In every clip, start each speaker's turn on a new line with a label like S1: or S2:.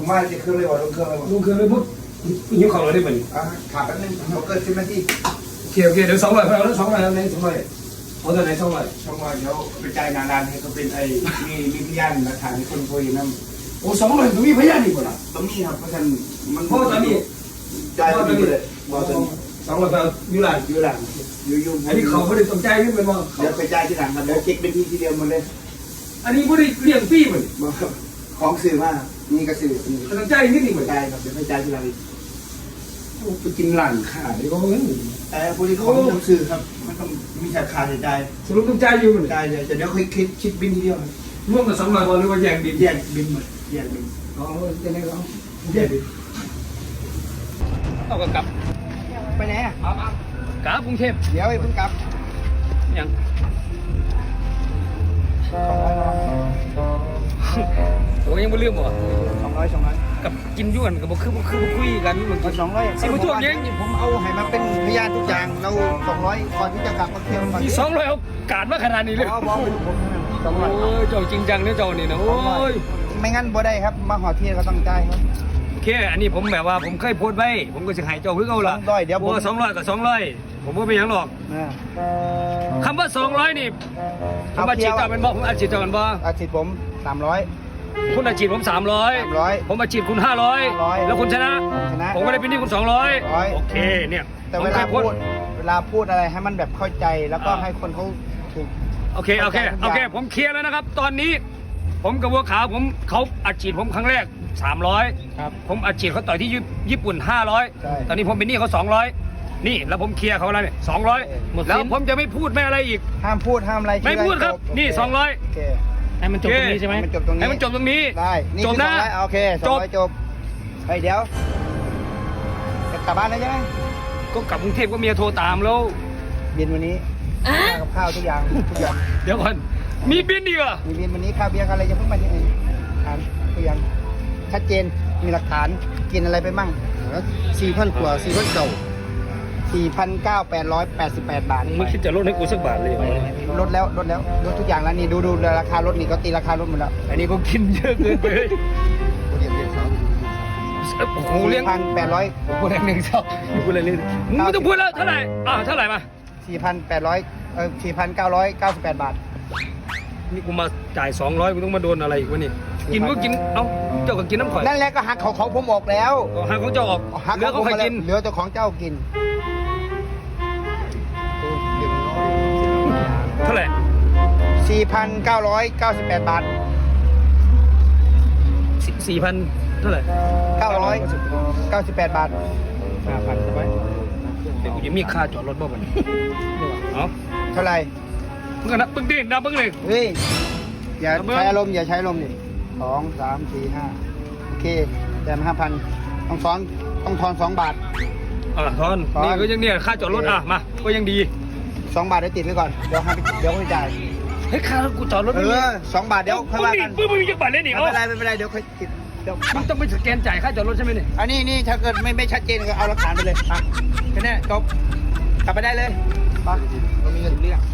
S1: ผมว่าจะเครื่องเลยว่าลงเครื่องเลยว่า
S2: ลุงเคยไปพูดยิ้มของเราได้ไหม
S1: ขาดแป๊บนึงเราเกิด10 นาที
S2: โอเคเดี๋ยว200เอาแล้ว200แล้วใน200เอาตัวไหน200
S1: ช่องว่าเดี๋ยวไปจ่ายงานร้านให้เขาเป็นไอ้มีพยานหลักฐานที่คนคุยนั่น
S2: โอ้200ต้องมีพยานอีกบ่ล่ะ
S1: ต้องมีครับเพราะฉะนั้นมัน
S2: เพราะตอนนี้
S1: จ่ายไปเลยบอกตอนนี้
S2: 200เอาอยู่หลัง
S1: อยู่หลังอยู่
S2: อันนี้เขาไม่ได้สนใจขึ้นไปมอง
S1: เดี๋ยวไปจ่ายที่หลังครับเดี๋ยวเช็คเป็นทีเดียวหมดเลย
S2: อันนี้ไม่ได้เลี้ยงฟรีเหมือน
S1: ของสื่อมานี่ก็สื่อ
S2: สนใจนิดนึงเหมือน
S1: จ่ายครับเดี๋ยวไปจ่ายที่หลังอีก
S2: ไปกินหลังขาดนี่ก็เงิน
S1: แต่พวกนี้เขาต้องสื่อครับมันต้องมีค่าใช้จ่าย
S2: สรุปต้องใจอยู่เหมือน
S1: จ่ายเลยเดี๋ยวค่อยคิดบินทีเดียว
S2: ร่วมกับ200บอลหรือว่าแย่งบิน
S1: แยกบินหมดแยกบิน
S2: อ๋อยังไงก็แย่งบินเอากลับ
S1: ไปไหนอ่ะ
S2: กลับกรุงเทพ
S1: เดี๋ยวเพิ่งกลับ
S2: ยังโอ้ยังไม่ลืมบ่
S1: 200
S2: กับกินยุ่นกับบ่คือคุยกันเหมือนกัน
S1: 200
S2: สิบ่ช่วงยัง
S1: ผมเอาให้มาเป็นพยานทุกอย่างเรา200ก่อนที่จะกลับมาเที่ยวก่อน
S2: ที่200เอากาดมาขนาดนี้เลย
S1: บอกผม
S2: โอ้ยเจ้าจริงจังเนี่ยเจ้านี่นะโอ้ย
S1: ไม่งั้นบ่ได้ครับมาหอเที่ยวก็ต้องจ่ายครับ
S2: โอเคอันนี้ผมแบบว่าผมเคยโพสต์ไว้ผมก็จะให้เจ้าคือเอาล่ะ
S1: 200เดี๋ยวผม
S2: โอ้200กับ200ผมว่าเป็นหยังหรอกคำว่า200นี่ผมอาชีพเจ้าเป็นบ่ผมอาชีพเจ้ากันบ่
S1: อาทิตย์ผม300
S2: คุณอาชีพผม300ผมอาชีพคุณ500แล้วคุณชนะ
S1: ชนะ
S2: ผมก็ได้เป็นที่คุณ200โอเคเนี่ย
S1: แต่เวลาพูดอะไรให้มันแบบเข้าใจแล้วก็ให้คนเขาถูก
S2: โอเคผมเคลียร์แล้วนะครับ ตอนนี้ผมกับบัวขาวเขาอาชีพผมครั้งแรก300
S1: ครับ
S2: ผมอาชีพเขาต่อยที่ญี่ปุ่น
S1: ใช่
S2: 500ตอนนี้ผมเป็นหนี้เขา200นี่แล้วผมเคลียร์เขาแล้วเนี่ย200แล้วผมจะไม่พูดไม่อะไรอีก
S1: ห้ามพูดห้ามอะไร
S2: ไม่พูดครับนี่200
S1: โอเค
S2: ให้มันจบตรงนี้ใช่ไหม
S1: ให้มันจบตรงนี้
S2: ให้มันจบตรงนี้
S1: ได้นี่
S2: จบนะ
S1: คือ200โอเค200จบเฮ้ยเดี๋ยวจะกลับบ้านแล้วใช่ไหม
S2: ก็กลับกรุงเทพก็เมียโทรตามแล้ว
S1: บินวันนี้กับข้าวทุกอย่าง
S2: เดี๋ยวก่อนมีบินดีกว่า
S1: มีบินวันนี้ข้าวเบียร์อะไรจะเพิ่งมาที่ไหนถามทุกอย่างชัดเจนมีหลักฐานกินอะไรไปมั่ง4,000 กว่า4,000 เก่า4,988 บาท
S2: มึงคิดจะลดให้กูสักบาทเลย
S1: ลดแล้วลดทุกอย่างแล้วนี่ดูราคารถนี่ก็ตีราคารถหมดแล้ว
S2: อันนี้ก็กินเยอะเกินไปโอ้โหเลี้ยง
S1: 4,800
S2: กูแรงหนึ่งเท่ากูเลยเลยมึงไม่ต้องพูดแล้วเท่าไหร่เท่าไหร่มา
S1: 4,998 บาท
S2: นี่กูมาจ่าย200กูต้องมาโดนอะไรอีกวะนี่กินก็กินเอ้าเจ้าก็กินน้ำข่อย
S1: นั่นแหละก็หักของผมออกแล้ว
S2: หางของเจ้าออก
S1: หัก
S2: เหลือเขาใครกิน
S1: เหลือแต่ของเจ้ากิน
S2: เท่าไหร่
S1: 4,998 บาท
S2: 4,000เท่าไหร่
S1: 998 บาท
S2: 5,000ใช่ไหมเดี๋ยวกูจะมีค่าจอดรถบ้างวันนี้เอ้า
S1: เท่าไหร่
S2: มึงกันนะมึงดินับมึงเลย
S1: เฮ้ยอย่าใช้อารมณ์ดิ2 3 4 5โอเคแต่5,000ต้องทอน2 บาท
S2: ทอนนี่ก็ยังเนี่ยค่าจอดรถมาก็ยังดี
S1: 2 บาทเดี๋ยวติดไว้ก่อนเดี๋ยวค่อยจ่าย
S2: เฮ้ยค่ารถกูจอดรถ
S1: 2 บาทเดี๋ยวค่อยว่ากัน
S2: มึงจะบาทเล่นอีก
S1: ไม่เป็นไรเดี๋ยวค่อยติดเดี๋ยว
S2: มึงต้องไปสแกนจ่ายค่าจอดรถใช่ไหมเนี่ย
S1: อันนี้ถ้าเกิดไม่ชัดเจนก็เอาหลักฐานไปเลยแค่นี้จบกลับไปได้เลยไปเรามีเงินเรื่อง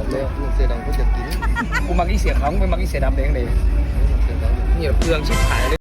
S2: กูมักอีเสียของไปมักอีเสียดำเองเลยนี่เปลืองชิบหายเลย